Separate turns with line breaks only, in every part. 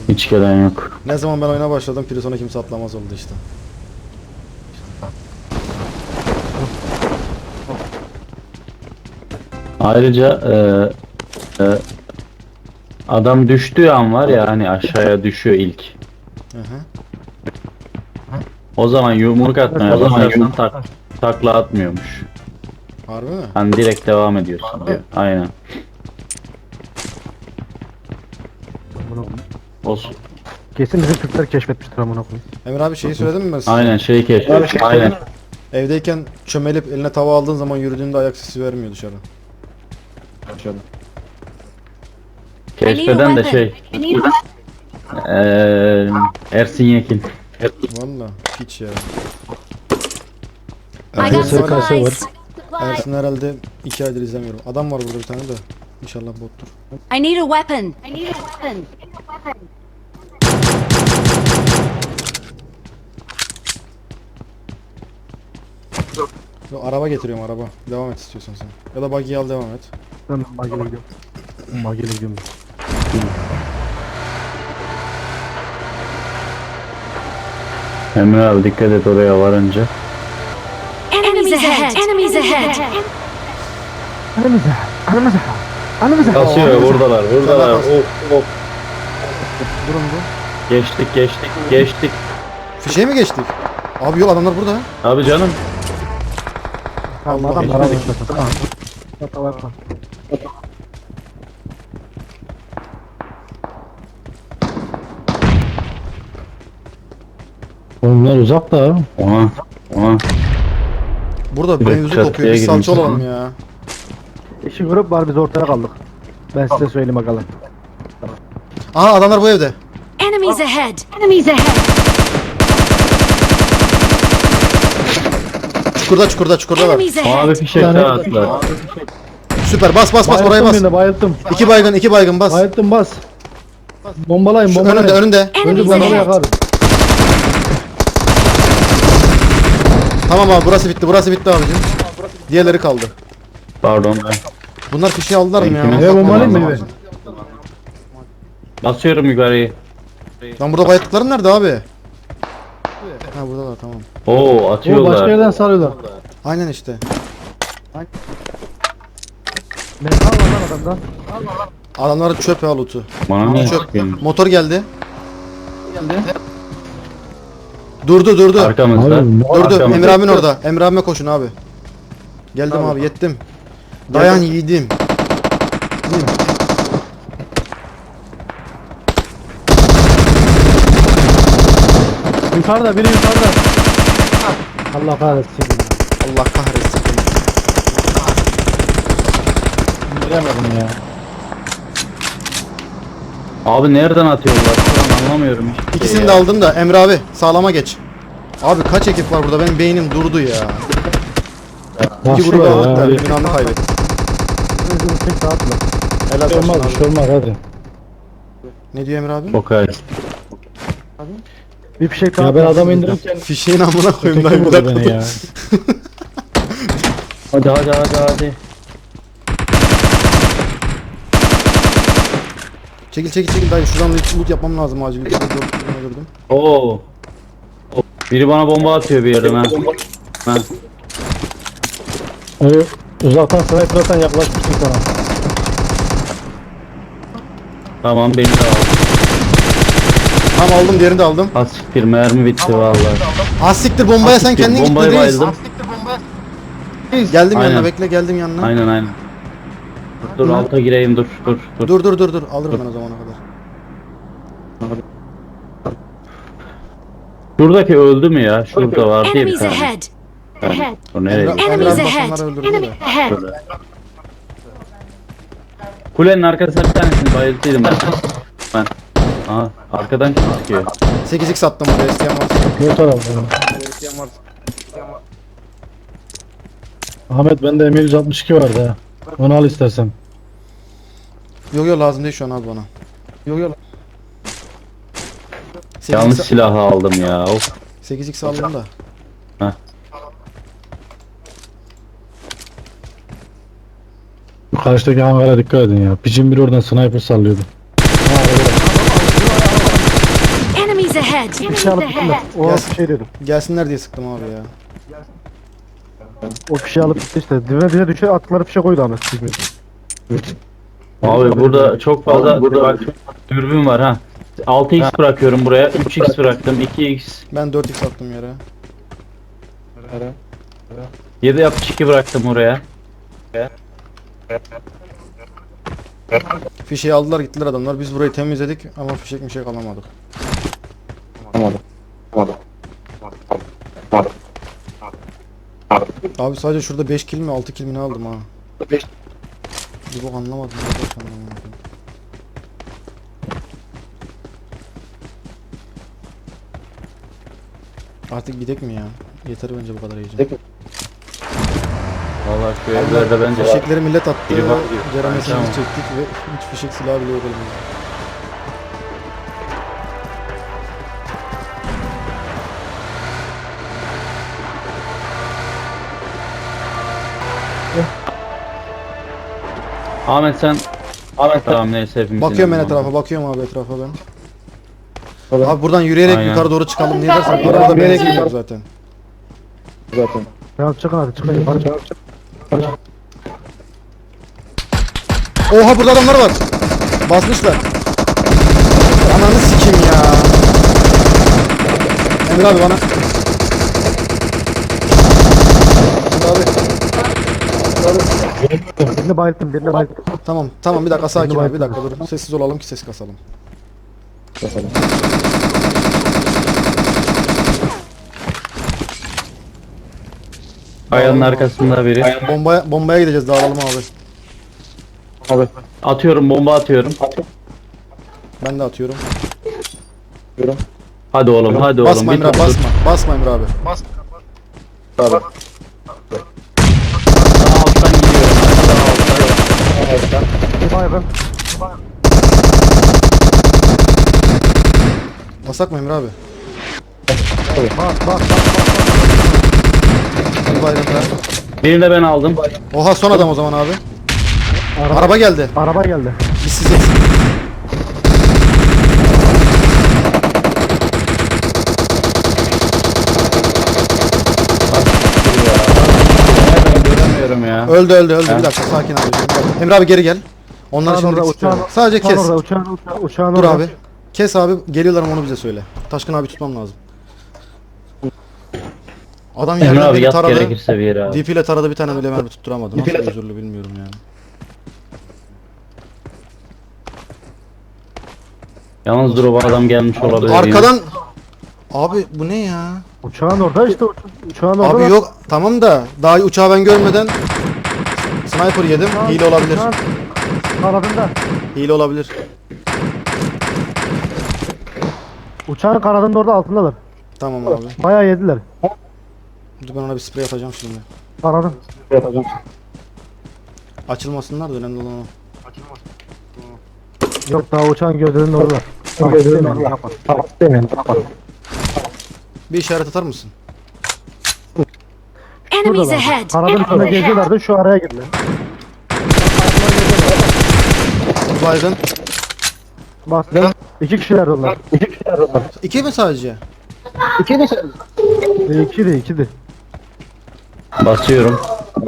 Hiç gelen yok.
Ne zaman ben oyuna başladım Prison'a kimse atlamaz oldu işte.
Ayrıca adam düştüğü an var ya hani aşağıya düşüyor ilk.
Hı hı.
O zaman yumruk atmaya basarsan takla atmıyormuş.
Harbi mi?
Hani direkt devam ediyorsun diyor. Aynen. Olsun.
Kesin bizim Türkler keşfetmiştir amına koyayım.
Emir abi şeyi söyledim mi ben size?
Aynen şey keşfet. Aynen.
Evdeyken çömelip eline tava aldığın zaman yürüdüğünde ayak sesi vermiyor dışarı.
Keşfeden de şey. Ersin Yekin.
Valla hiç ya.
I got supplies.
Ersin herhalde 2 aydır izlemiyorum. Adam var burada bir tane de. İnşallah bottur.
I need a weapon.
Yo, araba getiriyorum araba. Devam et istiyorsan sen. Ya da buggy'yi al devam et.
Ben Magel'e gidiyorum. Magel'e gidiyorum.
Emre abi dikkat et oraya varınca.
Enemies ahead. Enemies ahead.
Anamıza. Anamıza. Anamıza.
Kasıyor buradalar buradalar.
Tamam.
Of.
Durun bu.
Geçtik.
Fişeğe mi geçtik? Abi yol adamlar burada.
Abi canım.
Tamam
Allah
adam
Allah.
para beklesin. Tamam. Hata yapma.
Onlar uzak da.
Ona.
Burada
Evet,
mevzu
çatıya
kokuyor. Biz salça
girmiş.
olalım ya.
İşi grup var biz ortaya kaldık. Ben size söyleyeyim bakalım.
Aha adamlar bu evde.
Enemies ahead. Enemies ahead.
Çukurda var.
Enemies
Abi
ahead.
fişek daha atlar.
Süper bas oraya bas.
Birini bayılttım.
2 baygın bas.
Bayılttım bas. Bombalayın
Şu
bombalayın.
önünde.
Önce
Enemies
bombalı
ahead.
yakarız.
Tamam abi burası bitti abicim. Diğerleri kaldı.
Pardon ben.
Bunlar fişeği aldılar mı ya?
Benimkini-
Ne bombalayayım mı?
Basıyorum yukarıyı.
Lan burada bayatlıklarım nerede abi? Ha buradalar tamam.
Oo
O başka
atıyorlar.
yerden sarıyorlar.
Aynen işte.
Metal var lan adamdan.
Adamların çöp ya loot'u.
Bana ne
Çöp.
çıkıyor?
Motor geldi. Durdu.
Arkamızda.
Durdu.
Arkamızda.
Emre abin orada. Emre abime koşun abi. Geldim abi yettim. Dayan yiğidim.
Yukarıda biri yukarıda. Allah kahretsin.
Allah kahretsin.
Bilemedim ya.
Abi nereden atıyorlar? Şu an anlamıyorum hiçbir şey
İkisini
ya.
de aldım da Emre abi sağlama geç. Abi kaç ekip var burada? Benim beynim durdu ya. İki
Nasıl
grubu
ya?
aldık da
Hadi.
binanı kaybettik.
Bizim tek rahatla.
Helal
Bir şey
olsun
olmaz, bir
abi.
şey olmaz hadi.
Ne diyor Emre abi?
Okay.
Bir fişek daha
Ya ben
atma.
adam indirirken
Fişeğin amına koyayım
öteki
dayı bir
vurdu
dakika.
beni ya.
Hadi.
Çekil dayı şuradan loot yapmam lazım acil. Öldürdüm.
Oo. Biri bana bomba atıyor bir yerden ha. Ha.
Öyle uzaktan sniper'dan yaklaşmıştım sana.
Tamam beni de al.
Tamam aldım diğerini de aldım.
Az siktir mermi bitti vallahi.
Az siktir bombaya sen
Siktir,
kendin gitme
bombayı
reis.
bayıldım.
Geldim
Aynen.
yanına bekle geldim yanına.
Aynen. Dur alta gireyim dur.
Dur alırım ben o zamana kadar.
Şuradaki öldü mü ya? Şurada vardı ya bir
Enemies
tane.
ahead. Ahead.
O nereye gitti?
Emre
Enemies
abi
ahead.
bak onları öldürdü de.
Ahead.
Şurada. Kulenin arkasına bir tanesini bayılttıydım ben. Aha arkadan kim çıkıyor?
8x attım oraya isteyen varsa.
Ne taraftan?
İsteyen varsa.
Ahmet bende M162 vardı ha. Onu al istersen.
Yok lazım değil şu an abi bana. Yok.
Yanlış silahı aldım ya. Of.
8x aldım da.
Bu karşıdaki hangara dikkat edin ya. Pigeon bir oradan sniper sallıyordu. Ha, orada.
ahead.
Bir şey alıp gittiler. O
Yes.
bir şey dedim.
Gelsinler diye sıktım abi ya.
O fişeği alıp gitti işte. Bize düşe attıkları fişe koydu Ahmet.
Abi burada çok fazla bak, dürbün var ha. 6x bırakıyorum buraya. 3x bıraktım. 2x.
Ben 4x attım yere.
7.62 bıraktım oraya.
Fişeği aldılar gittiler adamlar. Biz burayı temizledik ama fişek mişek alamadık. Abi sadece şurada 5 kill mi 6 kill mi ne aldım ha. Bir bok anlamadım. Arkadaş anlamadım. Artık gidek mi ya? Yeter bence bu kadar heyecan.
Vallahi şu evlerde bence
Fişekleri millet attı.
Biri bak diyor.
Ceremesini
Tamam.
çektik ve hiç fişek silahı bile yok elimizde.
Ahmet sen tamam neyse hepimiz
Bakıyorum ben
inanalım.
etrafa, bakıyorum abi etrafa ben. Abi buradan yürüyerek
Aynen.
yukarı doğru çıkalım diye dersen arabada benzin yok zaten.
Ya çıkın hadi çıkın. Yukarı çık.
Oha burada adamlar var. Basmışlar. Ananı sikeyim ya. Emir abi bana. Emir abi.
Birini bayılttım, birini bayılttım.
Tamam bir dakika sakin abi bir dakika dur. Sessiz olalım ki ses kasalım.
Kayanın arkasında biri.
Bombaya gideceğiz dağılalım abi.
Atıyorum, bomba atıyorum.
Ben de atıyorum.
Hadi oğlum, hadi oğlum.
Basma Emir abi
top tut.
basma. Basma Emir abi.
Sağ alttan gidiyorum. Sağ alttan.
Bir baygın.
Basak mı Emir abi?
Bak.
Hadi bayram ya.
Birini de ben aldım.
Oha son adam o zaman abi. Araba geldi.
Araba geldi.
Biz size.
Ben göremiyorum ya.
Öldü. Bir dakika sakin abi. Emir abi geri gel. Onlar
Uçağın
şimdi
orada,
istiyorum.
uçağın-
Sadece kes.
Orada, uçağın
Dur
orada.
abi. Kes abi. Geliyorlar ama onu bize söyle. Taşkın abi tutmam lazım. Adam
Emre
yerden
abi
beni
yat
taradı.
gerekirse bir yere abi.
DP ile taradı bir tane bile mermi tutturamadı. Nasıl özürlü bilmiyorum yani.
Yalnız dur o adam gelmiş olabilir.
Arkadan abi bu ne ya?
Uçağın orada işte uçağın orada.
Abi yok tamam da daha uçağı ben görmeden sniper yedim. Hile olabilir.
Kanadında.
Hile olabilir.
Uçağın kanadında orada altındalar.
Tamam abi.
Bayağı yediler.
Dur ben ona bir sprey atacağım şimdi.
Kanadın.
Açılmasınlar da önemli olan o.
Yok daha uçağın gövdelerinin orada.
Bir işaret atar mısın?
Enemies ahead.
Kanadın üstünde geziyorlardı şu araya girdiler.
Baygın.
Bak. İki kişiler onlar.
İki mi sadece?
İkiydi.
Basıyorum.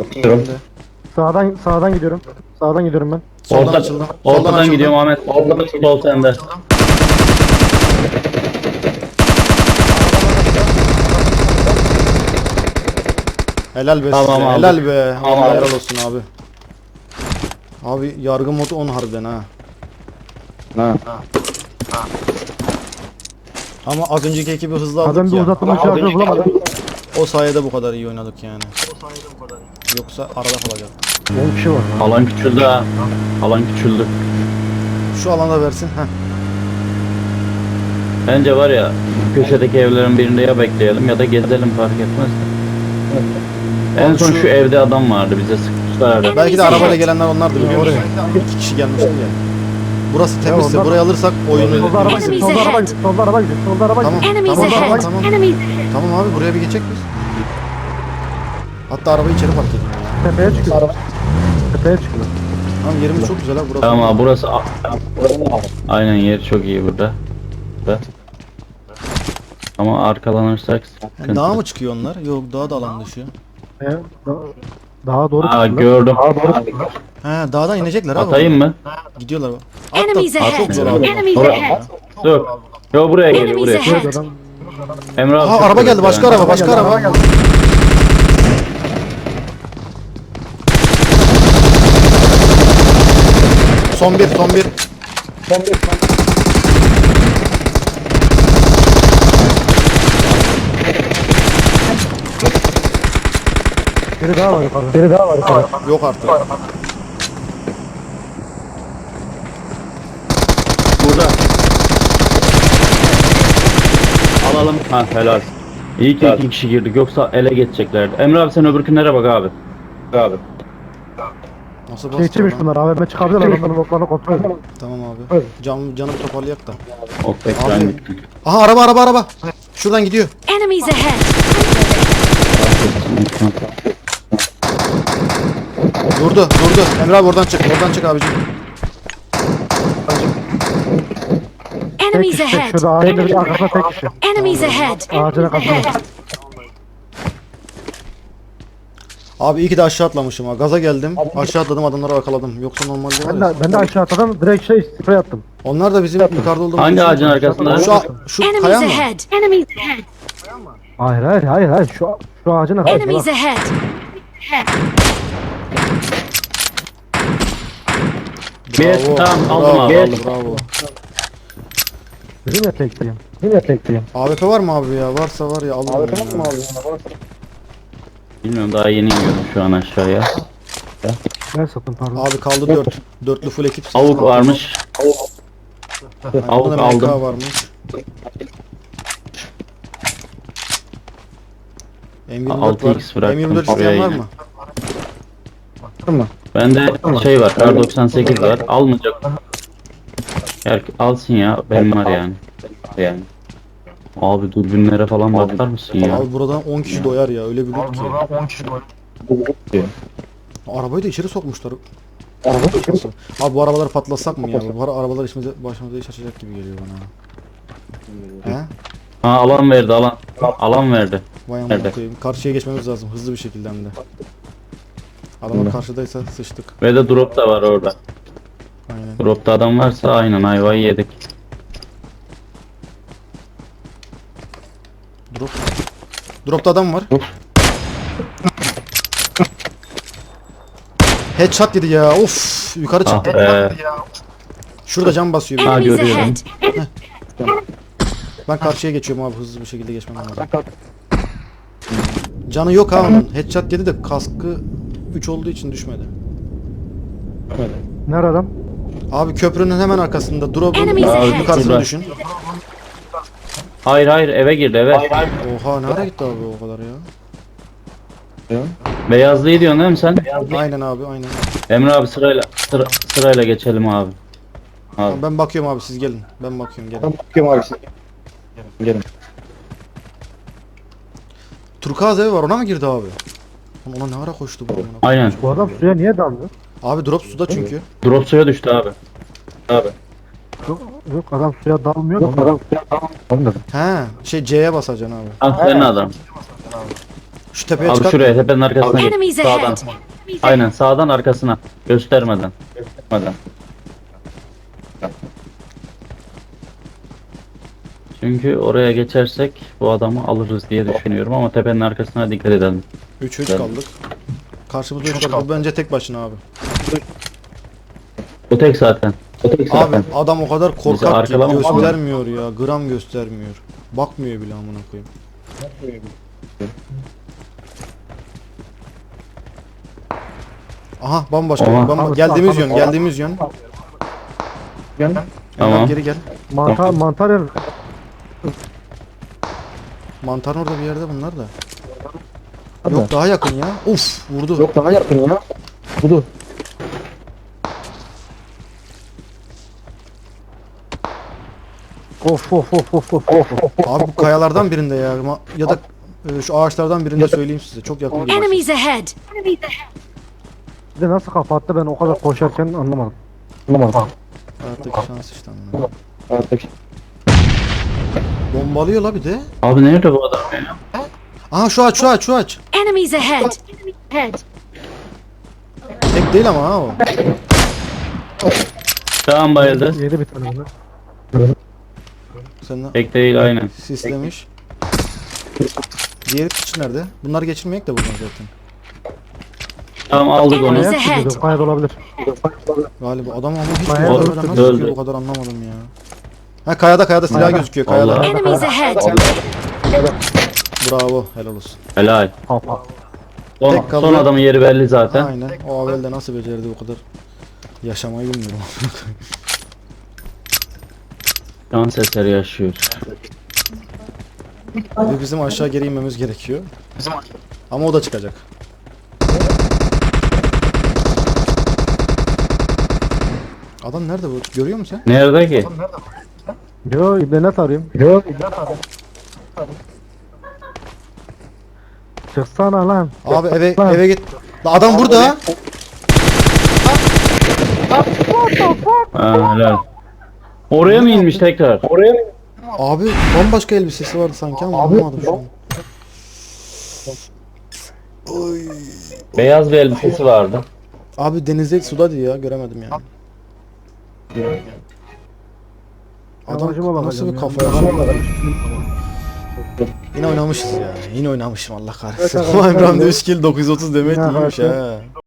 Sağdan gidiyorum. Sağdan gidiyorum ben.
Soldan açıldım.
Ortadan
açıldım.
gidiyorum Ahmet. Sol sende.
Helal be
Tamam
size.
abi.
Helal be.
Tamam
Allah
abi.
helal olsun abi. Abi yargı modu 10 harbiden ha. Ama az önceki ekibi hızlı aldık
Adam bir
ya.
uzattığım uçağı bulamadım.
O sayede bu kadar iyi oynadık yani. Yoksa arada kalacak.
10 kişi var.
Alan küçüldü ha. Alan küçüldü.
Şu alanda versin. Heh.
Bence var ya köşedeki evlerin birinde ya bekleyelim ya da gezelim fark etmez. En
Abi
son
şu-
şu evde adam vardı bize sıkmışlardı.
Belki de arabayla gelenler onlardır biliyor musun? 2 kişi gelmişti ya. Burası temizse
onlar-
burayı alırsak oyunu...
Solda araba gidiyor. Solda araba gidiyor. Solda araba gidiyor. Solda araba
Tamam.
gidiyor.
Enemies
Tamam,
ahead.
tamam.
Enemies.
Tamam abi buraya bir geçecek biz. Hatta arabayı içeri park edeyim ya.
Tepeye çıkıyor. Tepeye çıkıyor.
Tamam yerimiz çok güzel ha burası.
Tamam abi burası aynen yer çok iyi burada. Ama arkalanırsak sıkıntı.
Dağa mı çıkıyor onlar? Yok, dağa da alan dışı.
Da- Daha doğru
Aa,
çıktılar.
gördüm.
He, dağdan inecekler abi.
Atayım mı?
Gidiyorlar.
Enemies
At,
ahead.
çok zor abi.
Enemies
Oraya-
ahead.
Dur. Yo buraya geliyor
Enemies
buraya.
ahead.
Adam
Emre abi.
Ha,
çok
araba
güzel
geldi, başka
yani.
araba, başka araba. Son bir, son bir.
biri daha var yukarıda. Biri daha var yukarıda.
Yok artık.
Burada. Alalım. Ha helal. İyi ki 2 kişi girdik yoksa ele geçeceklerdi. Emre abi sen öbürkünlere bak abi. Abi.
Nasıl
Şey
bastı
içmiş
adam?
bunlar. AVM çıkabilirler. Onların notlarını kontrol edin.
Tamam abi. Canım toparlayak da.
Ok ekran
Abi.
gitti.
Aha, araba. Şuradan gidiyor.
Enemies ahead.
Durdu. Emre abi oradan çık abicim.
Tek
Enemies
kişi.
ahead.
Şurada ağacın bir arkasında tek kişi.
Enemies ahead.
Ağacın arkasında.
Abi iyi ki de aşağı atlamışım ha. Gaza geldim. Aşağı atladım, adamları arkaladım. Yoksa normalde var ya.
Ben de aşağı atladım. Direkt sprey attım.
Onlar da bizim yukarıda olduğumuz
Hangi
için-
ağacın arkasında?
Şu
Enemies
kaya mı?
ahead. Enemies ahead.
Hayır. Şu ağacın arkasında.
Enemies
bak.
ahead.
Bir tamam aldım abi.
Bravo.
Dedim ya tekliyim.
AWP var mı abi ya? Varsa var ya, alırım ya.
Bilmiyorum daha yeni iniyorum şu an aşağıya.
Ben sattım pardon.
Abi kaldı 4. Dörtlü full ekip.
Avuk varmış.
Aynen,
avuk
bunda MK
aldım.
varmış. M24
6x
var.
bıraktım
M24 isteyen
buraya
var
yine.
mı?
Bende şey var, kar 98 var. Almayacak. Alsın ya, benim var yani. Abi dürbünlere falan bakar mısın ya?
Abi buradan 10 kişi doyar ya, öyle bir loot ki. Arabayı da içeri sokmuşlar. Abi bu arabaları patlatsak mı ya? Bu arabalar başımıza iş açacak gibi geliyor bana. He?
Ha alan verdi alan. Alan verdi.
Vay amına
Nerede?
koyayım. Karşıya geçmemiz lazım hızlı bir şekilde hem de. Adamlar karşıdaysa sıçtık.
Ve de drop da var orada.
Aynen.
Dropta adam varsa aynen ayvayı yedik.
Dropta adam var. Headshot yedi ya. Of, yukarı
Ah
çıktı.
be.
Şurada cam basıyor. bir.
Ha,
Enemies
görüyorum.
ahead.
Ben karşıya geçiyorum abi, hızlı bir şekilde geçmem lazım. Canı yok ha onun. Headshot yedi de kaskı 3 olduğu için düşmedi.
Nerede adam?
Abi köprünün hemen arkasında. Drop'un
Enemies ahead.
yukarısını
Şurada.
düşün.
Hayır eve girdi eve.
Oha, nereye gitti abi o kadar ya?
Beyazlıyı diyorsun değil mi sen?
Aynen abi, aynen.
Emre abi sırayla geçelim abi. Abi.
Ben bakıyorum abi, siz gelin. Ben bakıyorum, gelin. Turkuaz evi var, ona mı girdi abi? Ona ne ara koştu bu amına koyayım?
Aynen.
Bu adam suya niye daldı?
Abi drop suda çünkü.
Drop suya düştü abi. Abi.
Yok adam suya dalmıyor da. Adam suya dalmıyor.
He, C'ye basacaksın abi.
Ah senin adam.
Şu tepeye
Abi
çıkar.
şuraya tepenin arkasına git.
Enemies
Sağdan.
ahead.
Aynen sağdan arkasına. Göstermeden. Çünkü oraya geçersek bu adamı alırız diye düşünüyorum ama tepenin arkasına dikkat edelim.
3 kaldık. Karşımızda 3 kaldık. Bu bence tek başına abi.
O tek zaten.
Abi adam o kadar korkak ki
arkalama-
göstermiyor ya. Gram göstermiyor. Bakmıyor bile amına koyayım. Aha, bambaşka.
Oha.
Geldiğimiz yön.
Tamam.
Geri gel.
Mantar yer.
Mantarın orada bir yerde bunlar da. Yok, daha yakın ya. Uf, vurdu.
Of.
Abi bu kayalardan birinde ya. Ya da şu ağaçlardan birinde söyleyeyim size. Çok yakın bir başı.
Enemies ahead.
Bir de nasıl kapattı ben o kadar koşarken anlamadım.
Hayattaki şans işte amına. Bombalıyor la bir de.
Abi nerede bu adam ya?
Aha şu aç.
Enemies ahead!
Tek değil ama ha o.
Tamam bayıldı.
Yedi bir tane bunlar.
Sen de
Tek değil aynen.
sislemiş. Diğeri kişi nerede? Bunlar geçirmeyek de buradan zaten.
Tamam aldık onu.
Enemies
Ayak
ahead!
gidiyor. Kayıt olabilir.
Galiba adam ama hiç
Bayağı
görmeden
öldü.
nasıl
Öldü.
sıkıyor bu kadar anlamadım ya. Ha kayada silah gözüküyor kayada.
Allah.
Enemies ahead!
Bravo helal olsun.
Helal.
Kafa.
Son,
Tek kaldı.
son adamın yeri belli zaten.
Aynen. O Avel'de nasıl becerdi bu kadar yaşamayı bilmiyorum.
Dans eseri yaşıyor.
Ve bizim aşağı geri inmemiz gerekiyor. Ama o da çıkacak. Adam nerede bu? Görüyor musun sen?
Nerede ki?
Yo ibnenet arıyorum. Çıksana lan.
Abi
Lan.
eve git. La adam burada.
Ha, helal. Oraya mı inmiş tekrar?
Abi bambaşka elbisesi vardı sanki ama anlamadım şu an. Oy.
Beyaz bir elbisesi vardı.
Abi denizde sudaydı ya göremedim yani. Adam
Amacıma
nasıl bir
bakacağım
kafa
ya.
ya? Yine oynamışız ya. Yine oynamışım Allah kahretsin. Ama İbrahim'de 3 kill 930 demet
Ya,
iyiymiş
evet.
ha.